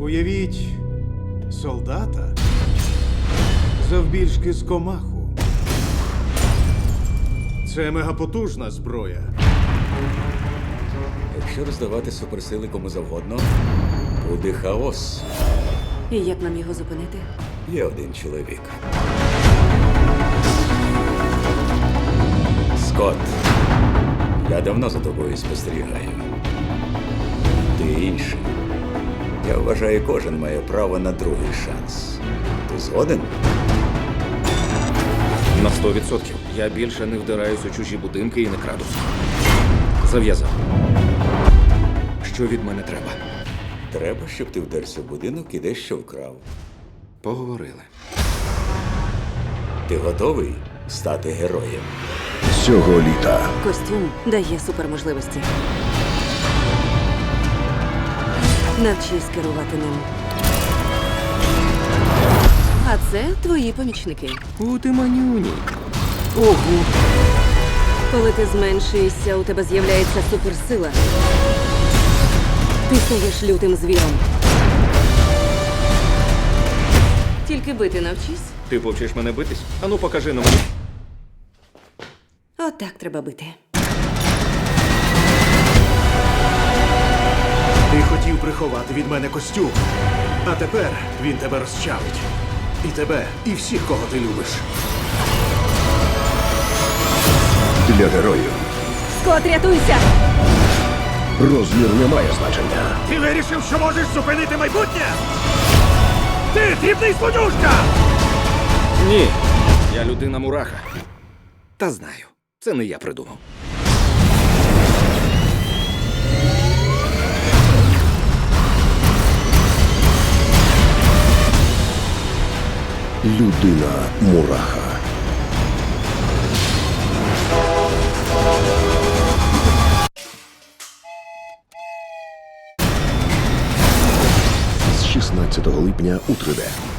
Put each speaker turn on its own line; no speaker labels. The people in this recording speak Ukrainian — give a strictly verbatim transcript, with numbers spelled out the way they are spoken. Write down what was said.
Уявіть солдата завбільшки з комаху. Це мегапотужна зброя.
Якщо роздавати суперсили кому завгодно, буде хаос.
І як нам його зупинити?
Є один чоловік. Скотт, я давно за тобою спостерігаю. Ти інший. Я вважаю, кожен має право на другий шанс. Ти згоден?
На сто відсотків. Я більше не вдираюсь у чужі будинки і не краду. Зав'язав. Що від мене треба?
Треба, щоб ти вдерся в будинок і дещо вкрав.
Поговорили.
Ти готовий стати героєм?
Цього літа
Костюм дає суперможливості. Навчись керувати ним. А це твої помічники.
У ти манюні. Ого.
Коли ти зменшуєшся, у тебе з'являється суперсила. Ти стаєш лютим звіром. Тільки бити навчись.
Ти повчиш мене битись? Ану, покажи на мені.
Отак треба бити.
Ти хотів приховати від мене костюм, а тепер він тебе розчавить. І тебе, і всіх, кого ти любиш.
для героїв
Скот, рятуйся!
розмір не має значення.
Ти вирішив, що можеш зупинити майбутнє? Ти дрібний слонюшка!
Ні. Я людина мураха. Та знаю. Це не я придумав.
Людина мураха. З шістнадцятого липня у три де.